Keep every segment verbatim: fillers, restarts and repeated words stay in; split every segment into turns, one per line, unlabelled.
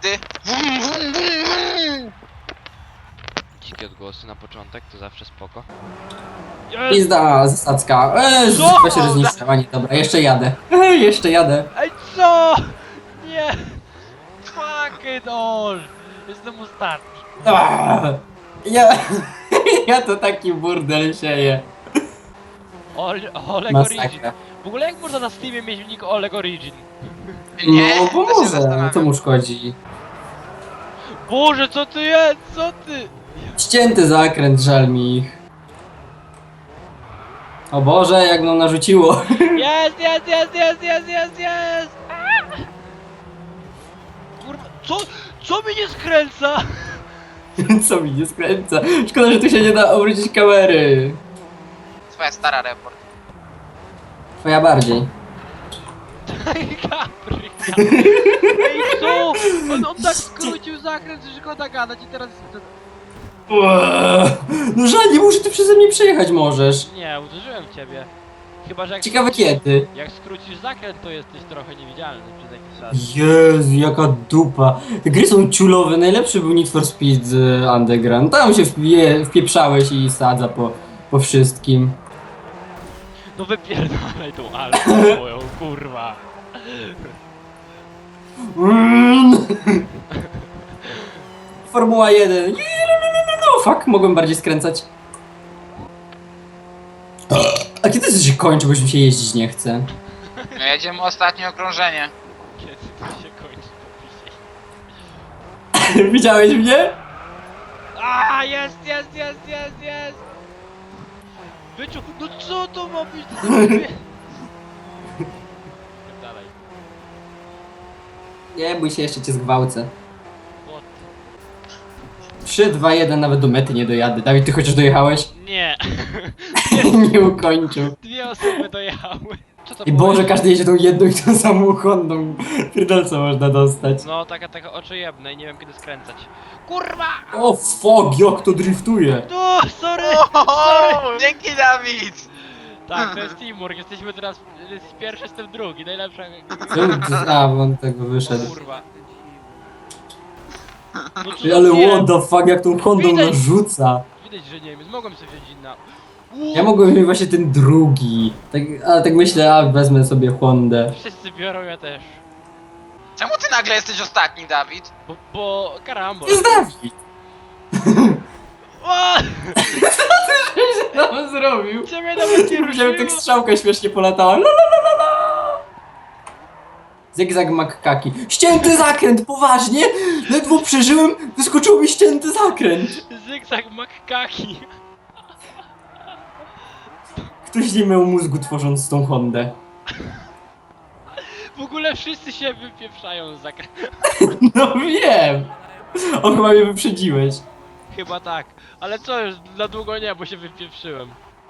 ty. Wum, wum, wum, wum.
Dzikie odgłosy na początek, to zawsze spoko.
Pizda, zasadzka. Eee,
Co?
chyba się rozniszczyła, nie, dobra, jeszcze jadę. Eee, jeszcze jadę.
Ej, co? Nie! Fuck it all! Jestem ostatni.
Aaaa, ja, ja to taki burdel sieję.
Ole, Oleg Origin.
Masakra.
W ogóle jak można na Steamie mieć nick Oleg Origin?
Nie,
No,
to
bo
się
może,
zastanawiam.
co mu szkodzi.
Boże, co ty jest? Co ty?
Ścięty zakręt, żal mi ich. O Boże, jak nam narzuciło.
Jest, jest, jest, jest, jest, jest, jest! A! Kurwa, co? Co mi nie skręca?
Co mi nie skręca. Szkoda, że tu się nie da obrócić kamery.
Twoja stara report.
Twoja bardziej.
Gabry. Ej, co? On, on tak skrócił zakręt, że szkoda gadać i teraz...
Eee, no żal, nie może ty przeze mnie przejechać możesz.
Nie, uderzyłem w ciebie. Chyba, że jak...
Ciekawe
skrócisz-
kiedy.
Jak skrócisz zakręt, to jesteś trochę niewidzialny przez jakiś czas.
Jezu, jaka dupa. Te gry są ciulowe, najlepszy był Need for Speed z Underground. Tam się wpie, wpieprzałeś i sadza po, po wszystkim.
No wypierdalaj tą alfę moją, kurwa.
Mm. Formuła jeden. No fuck, mogłem bardziej skręcać. A kiedy to się kończy, bo już mi się jeździć nie chce?
No jedziemy ostatnie okrążenie.
Kiedy to się kończy, to pisze.
Widziałeś mnie?
A, jest, jest, jest, jest, jest! Byczu, no co to ma być? To sobie... Dalej.
Nie bój się, jeszcze cię zgwałcę.
What?
trzy, dwa, jeden, nawet do mety nie dojadę. Dawid, ty chociaż dojechałeś?
Nie.
Nie ukończył.
Dwie osoby dojechały. Co to
I
było?
Boże, każdy jedzie tą jedną i tą samą Hondą. Pierdolca można dostać.
No, taka, taka oczojebna i nie wiem kiedy skręcać. Kurwa!
O fuck, jak to driftuje.
No, sorry!
Ohoho, dzięki Dawid!
Tak, to jest teamwork, jesteśmy teraz z pierwszy, jestem drugi, najlepsza...
Czemu ty- A, bo on tego wyszedł.
Kurwa. No co za
Ale
wiem?
what the fuck, jak tą Hondą
Widać.
narzuca.
Widać, że Niemiec, mogłem sobie wziąć inna.
Ja mogłem mieć właśnie ten drugi. Tak, ale tak myślę, a wezmę sobie Hondę.
Wszyscy biorą, ja też.
Czemu ty nagle jesteś ostatni, Dawid?
Bo, bo karambol.
To jest Dawid!
O!
Co on zrobił?
Ciebie nawet nie
Widziałem, tak
ruszyło.
strzałka śmiesznie polatała. La, la, la, la, la. Zygzak makkaki. Ścięty zakręt, poważnie? Ledwo przeżyłem, wyskoczył mi ścięty zakręt.
Zygzak makkaki.
Ktoś nie miał mózgu tworząc tą Hondę.
W ogóle wszyscy się wypieprzają z zakręt.
No wiem! O, chyba mnie wyprzedziłeś.
Chyba tak. Ale co już, na długo nie, bo się wypieprzyłem.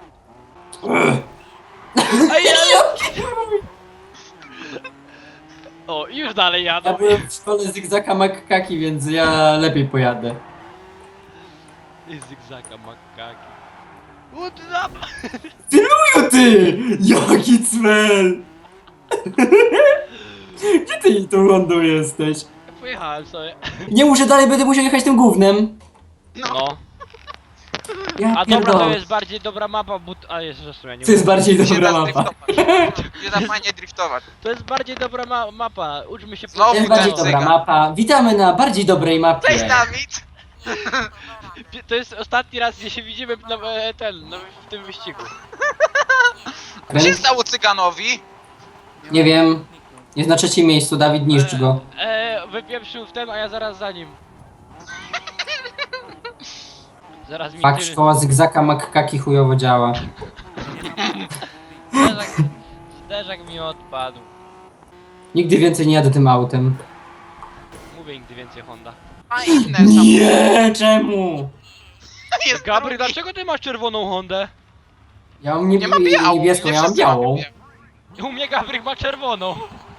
Ej, ale... O, i już dalej
Ja
jadą.
byłem w szkole Zygzaka makkaki, więc ja lepiej pojadę.
I zygzaka makkaki. What up?
Tyluju ty! Jaki cmel! Gdzie ty tą Hondą jesteś?
Pojechałem sobie.
Nie muszę dalej, będę musiał jechać tym gównem.
No.
Ja
A dobra, to
pierdolę.
jest bardziej dobra mapa, but... A jeszcze zresztą ja nie
To jest
mówię.
bardziej
Się
dobra
da
mapa.
driftować. Się da fajnie driftować.
To jest bardziej dobra ma mapa. Uczmy się
Znowu
To jest
ten
bardziej dobra
cygan.
mapa. Witamy na bardziej dobrej mapie.
Cześć, Dawid!
To jest ostatni raz, gdzie się widzimy na, e, ten, no, w tym wyścigu.
Co się stało cyganowi?
Nie wiem. Jest na trzecim miejscu, Dawid, niszcz go.
E, wypieprzył w ten, a ja zaraz za nim. Zaraz mi
Fakt,
tyry-
szkoła Zygzaka makkaki chujowo działa.
Zderzak, zderzak mi odpadł.
Nigdy więcej nie jadę tym autem.
Mówię nigdy więcej Honda.
A inne samochody.
Nie, czemu?
Jest
Gabry,
drugi.
dlaczego ty masz czerwoną Hondę?
Ja mam nie,
Nie ma białą.
niebieską,
nie
ja mam
wszyscy mamy
białą.
białą.
U mnie Gabryk ma czerwoną.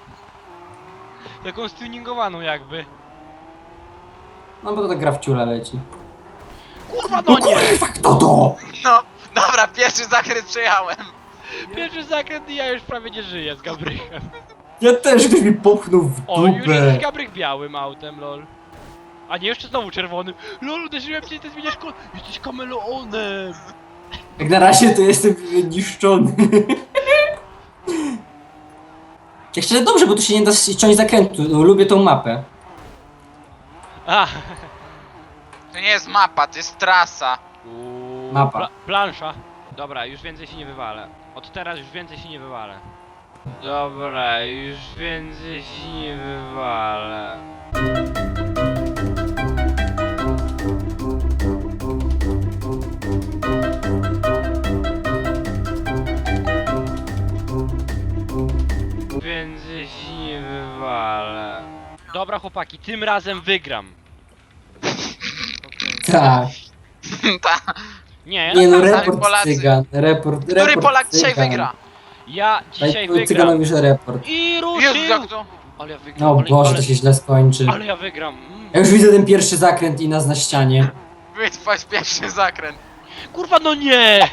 Taką stuningowaną jakby.
No bo to tak gra w ciula leci.
Kurwa, no nie!
Kurwa, kto to?
No, dobra, pierwszy zakręt przejechałem.
Pierwszy zakręt i ja już prawie nie żyję z Gabrykiem.
Ja też, ktoś mi popchnął w
O, już
dupę.
jest Gabryk białym autem, lol. A nie, jeszcze znowu czerwonym. Lol, uderzyłem cię i ty zmieniasz kolor. Jesteś kameleonem.
Jak na razie to jestem niszczony. Jak szczerze dobrze, bo tu się nie da ściąć zakrętu. Lubię tą mapę.
A.
To nie jest mapa, to jest trasa.
Uuu,
Mapa.
Pla plansza. Dobra, już więcej się nie wywalę. Od teraz już więcej się nie wywalę. Dobra, już więcej się nie wywalę. Więcej się nie wywalę. Dobra chłopaki, tym razem wygram.
Tak.
Ta.
Nie,
Nie no,
ja,
Sami
report
Polacy.
cygan. Report,
Który
report
Polak dzisiaj
cygan.
wygra?
ja dzisiaj
Daj
wygram.
cyganom już report.
I
Jezu,
ruszył!
jak to?
Ale ja wygram,
O
ale,
Boże,
ale,
to się źle skończy.
ale ja wygram. Mm.
Ja już widzę ten pierwszy zakręt i nas na ścianie.
Wytrwać pierwszy zakręt.
Kurwa, no nie!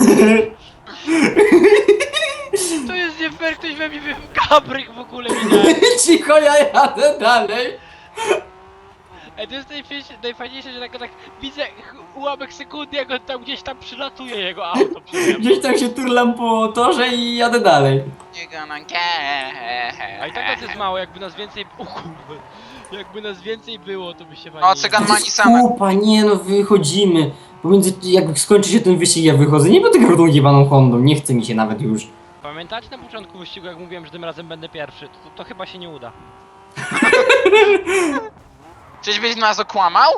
To jest nie fair, ktoś we mnie wy... Gabryk w ogóle minął.
Cicho, ja jadę dalej.
Ej, to jest najfajniejsze, najfajniejsze, że tak, tak widzę ch- ułamek sekundy, jak on tam gdzieś tam przylatuje jego auto przede mną.
Gdzieś tam się turlam po torze i jadę dalej.
Nie gonna care.
A i tak nas jest mało, jakby nas więcej... O kurwa. Jakby nas więcej było, to by się fajnie...
O, cygan ma Nissana.
Kupa, nie no, wychodzimy. Pomiędzy, jak skończy się ten wyścig, ja wychodzę. Nie będę grał tą jebaną Hondą, nie chce mi się nawet już.
Pamiętacie na początku wyścigu, jak mówiłem, że tym razem będę pierwszy? To, to chyba się nie uda.
Czyżbyś nas okłamał?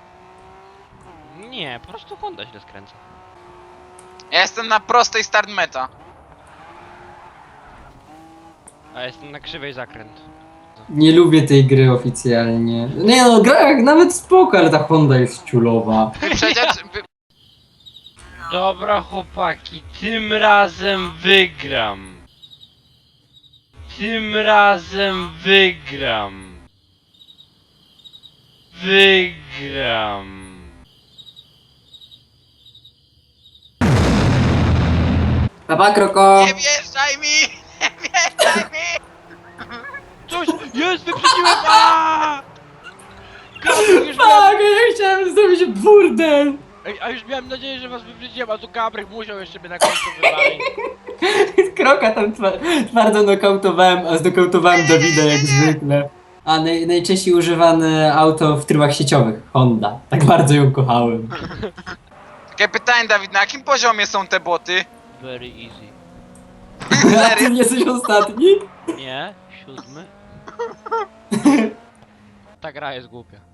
Nie, po prostu Honda źle skręca.
Ja jestem na prostej start meta.
A jestem na krzywej zakręt.
Nie lubię tej gry oficjalnie. Nie no, gra jak nawet spoko, ale ta Honda jest ciulowa.
Wyprzedzać... Wy...
Dobra chłopaki, tym razem wygram. Tym razem wygram. Wygram.
Papa Kroko!
Nie wjeżdżaj mi! Nie wjeżdżaj mi!
Coś jest, wyprzedziłem! Aaaa! Gabryk już miałem...
Tak, ja chciałem zrobić burdel!
Ej, a już miałem nadzieję, że was wyprzedziłem, a tu Gabryk musiał jeszcze mnie na końcu wywalić.
Kroka tam twa twardo nokautowałem, a znokautowałem Dawida jak zwykle. A naj najczęściej używane auto w trybach sieciowych, Honda. Tak bardzo ją kochałem.
Takie pytanie, Dawid, na jakim poziomie są te boty?
Very easy.
A ty nie jesteś ostatni?
Nie, siódmy. Ta gra jest głupia.